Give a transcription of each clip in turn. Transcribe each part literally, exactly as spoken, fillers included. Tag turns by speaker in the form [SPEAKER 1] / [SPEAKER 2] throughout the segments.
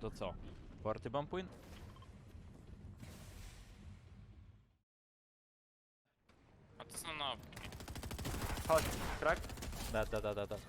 [SPEAKER 1] to co? Party bomb win?
[SPEAKER 2] A to są no.
[SPEAKER 3] Chodź, krak.
[SPEAKER 1] Da, da, da, da, da.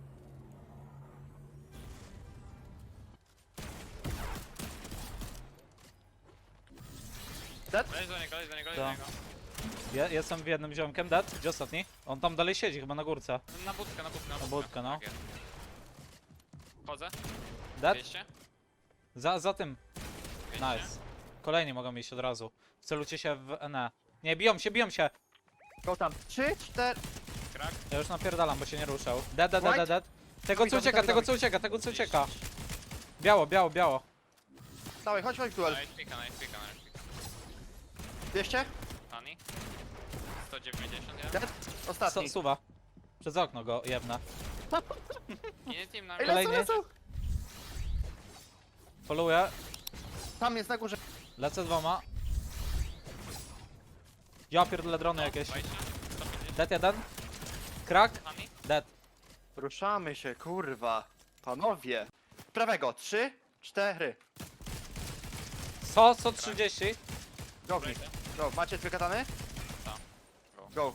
[SPEAKER 3] Dead?
[SPEAKER 2] Leć do niego, leć do niego, leć
[SPEAKER 1] Co?
[SPEAKER 2] do niego.
[SPEAKER 1] Ja jestem w jednym ziomkiem, dead. Gdzie ostatni? On tam dalej siedzi, chyba na górce.
[SPEAKER 2] Na budkę, na budkę, na
[SPEAKER 1] Na
[SPEAKER 2] budkę.
[SPEAKER 1] budkę, no.
[SPEAKER 2] Tak jest. Chodzę.
[SPEAKER 1] Dead?
[SPEAKER 2] dwieście.
[SPEAKER 1] Za, za tym.
[SPEAKER 2] dwieście.
[SPEAKER 1] Nice. Kolejni mogą iść od razu. Wcelujcie się w N E. Nie, biją się, biją się!
[SPEAKER 3] Go tam. Trzy, cztery.
[SPEAKER 2] Krak.
[SPEAKER 1] Ja już napierdalam, bo się nie ruszał. Dead, dead, dead, dead, dead. Tego co
[SPEAKER 3] Dawid,
[SPEAKER 1] ucieka,
[SPEAKER 3] Dawid,
[SPEAKER 1] tego
[SPEAKER 3] Dawid.
[SPEAKER 1] co ucieka, tego co ucieka. Biało, biało, biało.
[SPEAKER 3] Dawaj, chodź, chodź, duel.
[SPEAKER 2] Nice pika, nice pika, nice pika.
[SPEAKER 3] dwieście.
[SPEAKER 2] Tani. sto dziewięćdziesiąt, ja?
[SPEAKER 3] Dead. Ostatni.
[SPEAKER 1] Su- Suwa. Przez okno go jebna.
[SPEAKER 2] Nie, team na
[SPEAKER 3] Ej,
[SPEAKER 2] mnie.
[SPEAKER 3] lecą,
[SPEAKER 1] Kolejny.
[SPEAKER 3] lecą.
[SPEAKER 1] Followuję.
[SPEAKER 3] Tam jest na górze.
[SPEAKER 1] Lecę dwoma. Ja pierdolę drony jakieś.
[SPEAKER 2] dwadzieścia, sto pięćdziesiąt.
[SPEAKER 1] Dead jeden. Krak.
[SPEAKER 2] Tani.
[SPEAKER 1] Dead.
[SPEAKER 3] Ruszamy się, kurwa. Panowie. Prawego. Trzy, cztery.
[SPEAKER 1] So, so trzydzieści.
[SPEAKER 3] Go, w nich. Go. Macie dwie katany?
[SPEAKER 2] Tak. Go.
[SPEAKER 3] Go.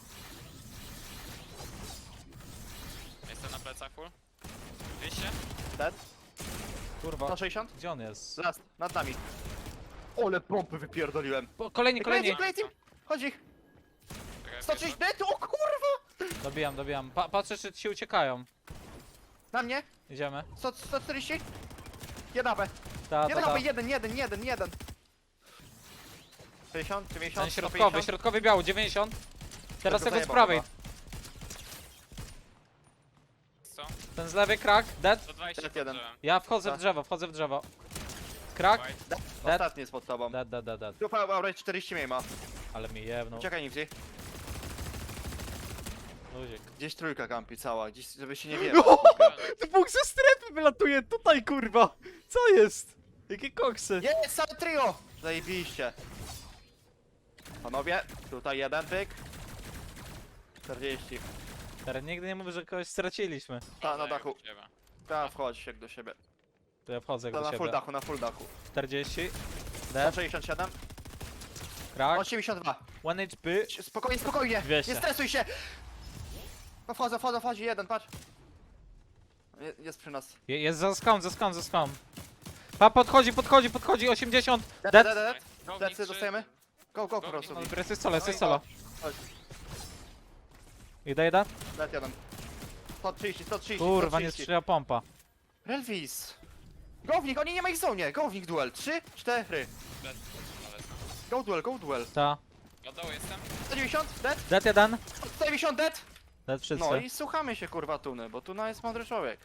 [SPEAKER 2] Jestem na plecach full. dwieście.
[SPEAKER 3] Dead.
[SPEAKER 1] Kurwa.
[SPEAKER 3] sto sześćdziesiąt.
[SPEAKER 1] Gdzie on jest?
[SPEAKER 3] Last. Nad nami. Ole pompy wypierdoliłem.
[SPEAKER 1] Po, kolejni, kolejni.
[SPEAKER 3] Kolejny, kolejny. Chodź ich.
[SPEAKER 2] Czekaj,
[SPEAKER 3] sto trzydzieści. Dead. O kurwa.
[SPEAKER 1] Dobijam, dobijam. Pa, patrzę czy ci uciekają.
[SPEAKER 3] Na mnie.
[SPEAKER 1] Idziemy.
[SPEAKER 3] sto, sto czterdzieści. Jeden A P.
[SPEAKER 1] Ta, ta,
[SPEAKER 3] Jeden
[SPEAKER 1] ta.
[SPEAKER 3] A P. Jeden, jeden, jeden, jeden. sześćdziesiąt, dziewięćdziesiąt,
[SPEAKER 1] Ten
[SPEAKER 3] sto
[SPEAKER 1] środkowy,
[SPEAKER 3] pięćdziesiąt.
[SPEAKER 1] środkowy biało, dziewięćdziesiąt. Teraz
[SPEAKER 3] Tego
[SPEAKER 1] tego z
[SPEAKER 3] zajebał
[SPEAKER 1] prawej.
[SPEAKER 3] chyba.
[SPEAKER 2] Co?
[SPEAKER 1] Ten z lewej krak, dead.
[SPEAKER 2] sto dwadzieścia
[SPEAKER 3] Dead
[SPEAKER 2] pod
[SPEAKER 3] jeden.
[SPEAKER 2] drzewem.
[SPEAKER 1] Ja wchodzę w
[SPEAKER 3] Tak.
[SPEAKER 1] drzewo, wchodzę w drzewo. Krak.
[SPEAKER 2] White.
[SPEAKER 3] Dead.
[SPEAKER 1] Dead.
[SPEAKER 3] Ostatni jest pod tobą.
[SPEAKER 1] Dead, dead, dead, dead.
[SPEAKER 3] Tu Aurora czterdzieści mniej ma.
[SPEAKER 1] Ale mi jebnął.
[SPEAKER 3] Uciekaj Nifty.
[SPEAKER 1] Luzik.
[SPEAKER 3] Gdzieś trójka kampi cała, gdzieś żeby się nie wie.
[SPEAKER 1] Dwóch ze strefy wylatuje tutaj, kurwa! Co jest? Jakie koksy?
[SPEAKER 3] Jest, całe trio! Zajebiście. Panowie, tutaj jeden pyk. czterdzieści.
[SPEAKER 1] Teraz nigdy nie mówię, że kogoś straciliśmy.
[SPEAKER 3] Ta, na
[SPEAKER 2] Chodzę
[SPEAKER 3] dachu.
[SPEAKER 2] jak u ciebie.
[SPEAKER 3] Ta, wchodź jak do siebie.
[SPEAKER 1] To ja wchodzę
[SPEAKER 3] Ta,
[SPEAKER 1] do
[SPEAKER 3] na full
[SPEAKER 1] siebie.
[SPEAKER 3] dachu, na full dachu.
[SPEAKER 1] czterdzieści.
[SPEAKER 3] sto
[SPEAKER 1] Dead.
[SPEAKER 3] sześćdziesiąt siedem.
[SPEAKER 1] Krak.
[SPEAKER 3] osiemdziesiąt dwa.
[SPEAKER 1] jeden H P.
[SPEAKER 3] Spokojnie, spokojnie.
[SPEAKER 1] dwieście.
[SPEAKER 3] Nie stresuj się. No wchodzę, wchodzę, wchodzi jeden, patrz. Je- Jest przy nas.
[SPEAKER 1] Je- Jest za skam, za skam, za skam. Pa, podchodzi, podchodzi, podchodzi, osiemdziesiąt.
[SPEAKER 3] Dead,
[SPEAKER 1] Dead.
[SPEAKER 3] dead, dead.
[SPEAKER 2] Go w nich
[SPEAKER 3] Decy
[SPEAKER 2] trzy.
[SPEAKER 3] dostajemy? Go, go po
[SPEAKER 2] Go,
[SPEAKER 3] prostu.
[SPEAKER 2] go.
[SPEAKER 1] Dobra, jest solo, jest
[SPEAKER 3] Oj,
[SPEAKER 1] solo.
[SPEAKER 3] Chodź,
[SPEAKER 1] Idę, idę.
[SPEAKER 3] dead jeden. sto trzydzieści, sto trzydzieści,
[SPEAKER 1] Kurwa, nie
[SPEAKER 3] sto trzydzieści.
[SPEAKER 1] strzela pompa.
[SPEAKER 3] Relvis. Go w nich, oni nie ma ich w zonie. Go w nich duel. trzy, cztery.
[SPEAKER 2] Dead. Ale-
[SPEAKER 3] Go duel, go duel.
[SPEAKER 1] Ta.
[SPEAKER 2] Od dołu jestem.
[SPEAKER 3] sto dziewięćdziesiąt, dead.
[SPEAKER 1] Dead jeden.
[SPEAKER 3] sto dziewięćdziesiąt, dead.
[SPEAKER 1] Dead wszyscy.
[SPEAKER 3] No i słuchamy się kurwa Tuny, bo Tuna jest mądry człowiek.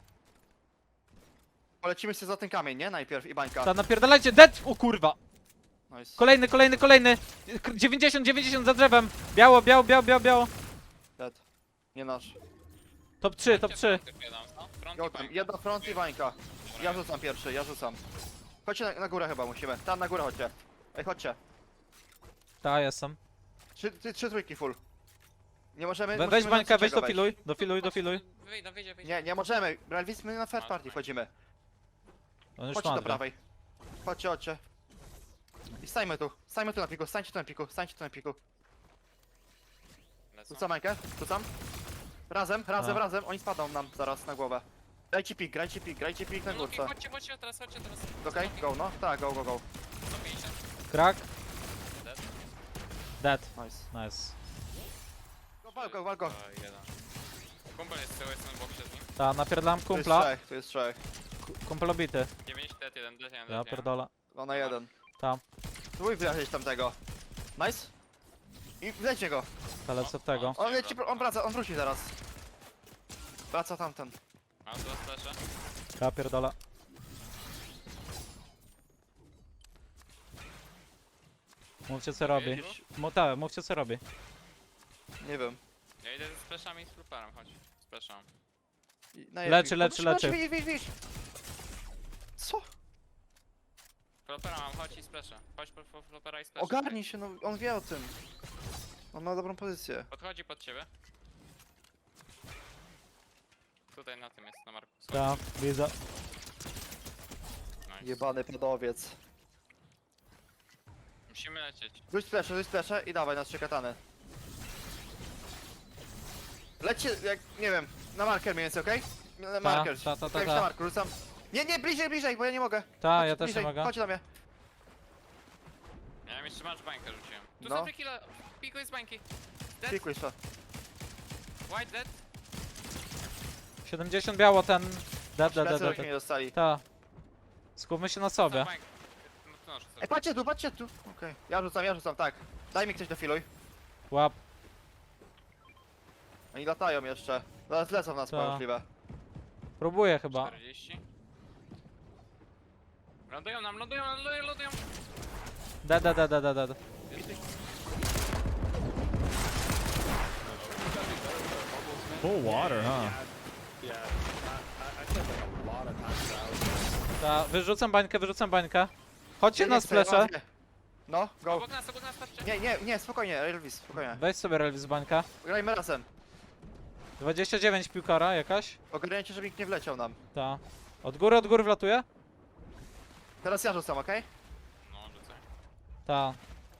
[SPEAKER 3] Polecimy się za ten kamień, nie? Najpierw i bańka.
[SPEAKER 1] Ta, napierdalajcie, dead! O kurwa.
[SPEAKER 3] Nice.
[SPEAKER 1] Kolejny, kolejny, kolejny. K- dziewięćdziesiąt, dziewięćdziesiąt za drzewem. Biało, biało, biało, biało, biało.
[SPEAKER 3] Dead. Nie nasz.
[SPEAKER 1] Top trzy, top trzy.
[SPEAKER 2] No. Front
[SPEAKER 3] Go
[SPEAKER 2] i
[SPEAKER 3] tam,
[SPEAKER 2] bańka.
[SPEAKER 3] jedna front i bańka. Ja rzucam pierwszy, ja rzucam. Chodźcie na, na górę chyba musimy. Tam na górę chodźcie. Ej, chodźcie.
[SPEAKER 1] Ta, jestem.
[SPEAKER 3] Trzy, trzy, trzy trójki full. Nie możemy...
[SPEAKER 1] We,
[SPEAKER 3] musimy
[SPEAKER 1] weź
[SPEAKER 3] na
[SPEAKER 1] bańkę, weź
[SPEAKER 3] trzeciego
[SPEAKER 1] dofiluj, dofiluj, dofiluj.
[SPEAKER 2] Wyjdź, no wyjdzie, wyjdzie.
[SPEAKER 3] Nie, nie możemy. Bralwis, my na first party wchodzimy.
[SPEAKER 1] On już
[SPEAKER 3] Chodźcie do
[SPEAKER 1] ma dwa.
[SPEAKER 3] prawej. Chodźcie, chodźcie. I stańmy tu. Stańmy tu na piku, stańcie tu na piku, stańcie tu na piku.
[SPEAKER 2] Lecą.
[SPEAKER 3] Rzucam Mańkę, rzucam. Razem, razem,
[SPEAKER 1] A.
[SPEAKER 3] razem. Oni spadną nam zaraz na głowę. Grajcie pik, grajcie pik, grajcie pik na
[SPEAKER 2] No, no,
[SPEAKER 3] górce.
[SPEAKER 2] chodźcie, chodźcie teraz, chodźcie teraz.
[SPEAKER 3] Okej, go no. Tak, go, go, go.
[SPEAKER 2] sto pięćdziesiąt.
[SPEAKER 1] Krak.
[SPEAKER 2] Dead.
[SPEAKER 1] Dead.
[SPEAKER 3] Nice.
[SPEAKER 1] Nice.
[SPEAKER 3] Go, wal go, wal go.
[SPEAKER 2] To jeden. Kumpel jest z tyłu, jestem w boksie z nim.
[SPEAKER 1] Ta, napierdalam
[SPEAKER 3] Tu jest
[SPEAKER 1] kumpla.
[SPEAKER 3] trzech, tu jest trzech.
[SPEAKER 1] Ku- Kumpel obity.
[SPEAKER 2] dziewięćdziesiąt, dead jeden, dead jeden,
[SPEAKER 1] Ja
[SPEAKER 2] dead jeden.
[SPEAKER 1] pierdolę.
[SPEAKER 3] Ona jeden.
[SPEAKER 1] Tam.
[SPEAKER 3] Spróbuj wyleczyć tamtego. Nice. I wleźcie go.
[SPEAKER 1] Ta, lecę od tego.
[SPEAKER 3] On leci, on wraca, on wróci zaraz. Wraca tamten.
[SPEAKER 2] Mam dwa splasze.
[SPEAKER 1] Ja pierdolę. Mówcie co robi.
[SPEAKER 2] Jedziesz?
[SPEAKER 1] Mu, tak, mówcie co robi.
[SPEAKER 3] Nie wiem.
[SPEAKER 2] Ja idę ze splashami i z fluparem, chodź. Splasham.
[SPEAKER 3] I- na
[SPEAKER 1] Leczy,
[SPEAKER 3] jednym.
[SPEAKER 1] leczy,
[SPEAKER 3] No,
[SPEAKER 1] leczy.
[SPEAKER 3] Widź, widź, widź. Co?
[SPEAKER 2] Flopera mam, chodź i splasha. Chodź po, po flopera i splash.
[SPEAKER 3] Ogarnij się, no on wie o tym. On ma dobrą pozycję.
[SPEAKER 2] Podchodzi pod ciebie. Tutaj na tym jest, na marku.
[SPEAKER 1] Ta, widzę.
[SPEAKER 2] Nice.
[SPEAKER 3] Jebany pedowiec.
[SPEAKER 2] Musimy lecieć.
[SPEAKER 3] Rzuć splesze, rzuć splesze i dawaj na trzy katany. Lećcie, jak, nie wiem, na marker mniej więcej, okej? Na marker.
[SPEAKER 1] ta, ta, ta,
[SPEAKER 3] Jak
[SPEAKER 1] ta.
[SPEAKER 3] na marker, rzucam. Nie, nie, bliżej, bliżej, bo ja nie mogę.
[SPEAKER 1] Ta,
[SPEAKER 3] Chodź
[SPEAKER 1] ja też
[SPEAKER 3] bliżej,
[SPEAKER 1] nie mogę.
[SPEAKER 3] Chodź do mnie.
[SPEAKER 2] Ja jeszcze masz bańkę rzuciłem. Tu
[SPEAKER 3] No.
[SPEAKER 2] są killa. Pikuj z bańki. Dead.
[SPEAKER 3] Pikuj to.
[SPEAKER 2] White dead.
[SPEAKER 1] siedemdziesiąt biało ten... Dead, dead, dead,
[SPEAKER 3] Plecy
[SPEAKER 1] dead.
[SPEAKER 3] żeśmy nie dostali.
[SPEAKER 1] Ta. Skupmy się na
[SPEAKER 2] Są
[SPEAKER 1] sobie.
[SPEAKER 2] bańki. No to noszę sobie.
[SPEAKER 3] Ej, patrzcie tu, patrzcie tu. Okej, ja rzucam, ja rzucam, tak. Daj mi ktoś defiluj.
[SPEAKER 1] Łap.
[SPEAKER 3] Oni latają jeszcze. Zaraz lecą nas
[SPEAKER 1] Ta.
[SPEAKER 3] możliwe.
[SPEAKER 1] Próbuję chyba.
[SPEAKER 2] czterdzieści. Lądują nam, lądują, lądują, lądują.
[SPEAKER 1] Dead, dead, dead, dead, dead.
[SPEAKER 4] Full water, huh?
[SPEAKER 1] Ta, wyrzucam bańkę, wyrzucam bańkę. Chodźcie
[SPEAKER 3] Nie,
[SPEAKER 1] na
[SPEAKER 3] nie chcę, ja
[SPEAKER 1] splesze.
[SPEAKER 3] mam- No, go.
[SPEAKER 2] Obok nas, obok nas, patrzcie.
[SPEAKER 3] Nie, nie, nie, spokojnie, Elvis, spokojnie.
[SPEAKER 1] Weź sobie Relvis bańka.
[SPEAKER 3] Grajmy razem.
[SPEAKER 1] dwadzieścia dziewięć piłkara jakaś.
[SPEAKER 3] Ogarniajcie, żeby nikt nie wleciał nam.
[SPEAKER 1] Ta. Od góry, od góry wlatuje?
[SPEAKER 3] Teraz ja rzucam, okej?
[SPEAKER 2] No, rzucaj.
[SPEAKER 1] Ta.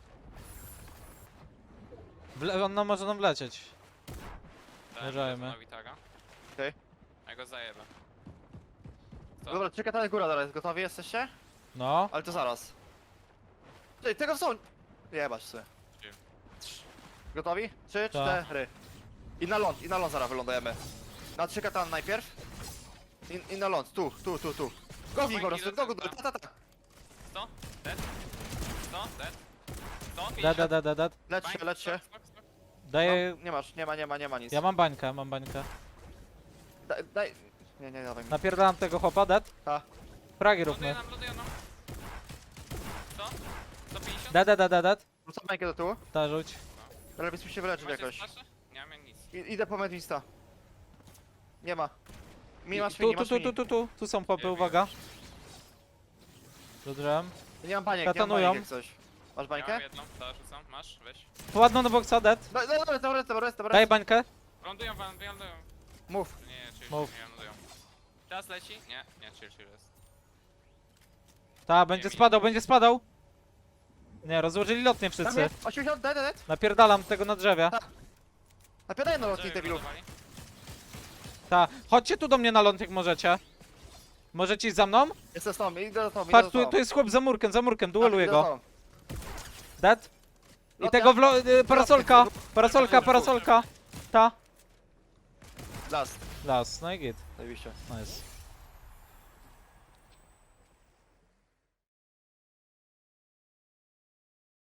[SPEAKER 1] Wle on no, może nam wlecieć.
[SPEAKER 2] Dałem
[SPEAKER 1] Uważajmy.
[SPEAKER 2] Jasonowi taga.
[SPEAKER 3] Okej.
[SPEAKER 2] Ja go zajebę. Co?
[SPEAKER 3] Dobra, trzy katany góra zaraz, gotowi jesteście?
[SPEAKER 1] No.
[SPEAKER 3] Ale to zaraz. Ej, tego są... Jebać sobie.
[SPEAKER 2] Gdzie?
[SPEAKER 3] Gotowi? Trzy,
[SPEAKER 1] Tak.
[SPEAKER 3] cztery. I na ląd, i na ląd zaraz wylądujemy. Na trzy katany najpierw. I, I na ląd, tu, tu, tu, tu. Go w nich po prostu, go, go, go, ta, ta, ta.
[SPEAKER 2] sto? Dead? sto? Dead? sto?
[SPEAKER 1] Dead, dead, dead, dead, dead.
[SPEAKER 3] Lecz się, lecz się.
[SPEAKER 1] Daję...
[SPEAKER 3] No, nie masz, nie ma, nie ma, nie ma nic.
[SPEAKER 1] Ja mam bańkę, mam bańkę.
[SPEAKER 3] Daj, daj... Nie, nie, dawaj mi.
[SPEAKER 1] Napierdalam tego chłopa, dead.
[SPEAKER 3] Ta.
[SPEAKER 1] Fragi
[SPEAKER 2] Ląduje
[SPEAKER 1] róbmy.
[SPEAKER 2] nam, ląduje nam. sto? sto pięćdziesiąt?
[SPEAKER 1] Dead, dead, dead, dead, dead.
[SPEAKER 3] Rzucam bańkę do tyłu.
[SPEAKER 1] Ta, rzuć.
[SPEAKER 3] Elvis musi się wyleczyć
[SPEAKER 2] Macie
[SPEAKER 3] jakoś.
[SPEAKER 2] splasze? Nie mam nic.
[SPEAKER 3] I, idę po medwista. Nie ma. Mi masz
[SPEAKER 1] Tu,
[SPEAKER 3] mini,
[SPEAKER 1] tu,
[SPEAKER 3] masz
[SPEAKER 1] tu, tu,
[SPEAKER 3] mini.
[SPEAKER 1] tu, tu. Tu są chłopy,
[SPEAKER 2] Wiem,
[SPEAKER 1] uwaga. Dobrze.
[SPEAKER 3] Nie mam baniek, nie mam
[SPEAKER 1] Katanują.
[SPEAKER 3] baniek jak coś. Masz
[SPEAKER 2] Ja
[SPEAKER 3] bańkę?
[SPEAKER 2] mam jedną, da, rzucam. Masz, weź.
[SPEAKER 1] Ładno do boksa, dead.
[SPEAKER 3] No, no, dobra, dobra, dobra, dobra.
[SPEAKER 1] Daj bańkę.
[SPEAKER 2] Lądują wam, lądują.
[SPEAKER 3] Mów.
[SPEAKER 2] Nie, nie, chill,
[SPEAKER 1] Mów.
[SPEAKER 2] nie lądują. Czas leci? Nie, nie, chill, chill jest.
[SPEAKER 1] Ta, będzie
[SPEAKER 2] mi-
[SPEAKER 1] spadał, będzie spadał. Nie, rozłożyli lotnie
[SPEAKER 3] Tam
[SPEAKER 1] wszyscy.
[SPEAKER 3] jest, osiemdziesiąt, dead, dead.
[SPEAKER 1] Napierdalam tego na drzewie.
[SPEAKER 3] Napiadaj na lotnik
[SPEAKER 2] Żeby
[SPEAKER 3] debilu.
[SPEAKER 2] lądowali?
[SPEAKER 1] Ta, chodźcie tu do mnie na ląd jak możecie. Możecie iść za mną?
[SPEAKER 3] Jestem z tobą, idę za tobą, idę
[SPEAKER 1] Patrz,
[SPEAKER 3] za
[SPEAKER 1] tu,
[SPEAKER 3] tobą.
[SPEAKER 1] tu jest chłop za murkiem, za murkiem,
[SPEAKER 3] Tak,
[SPEAKER 1] dueluję
[SPEAKER 3] idę za
[SPEAKER 1] go.
[SPEAKER 3] tobą.
[SPEAKER 1] Dead. I
[SPEAKER 3] Lotnia.
[SPEAKER 1] tego w lo... y, parasolka, parasolka, parasolka. Ta.
[SPEAKER 3] Last.
[SPEAKER 1] Las, no i git.
[SPEAKER 3] Zajebiście.
[SPEAKER 1] Nice.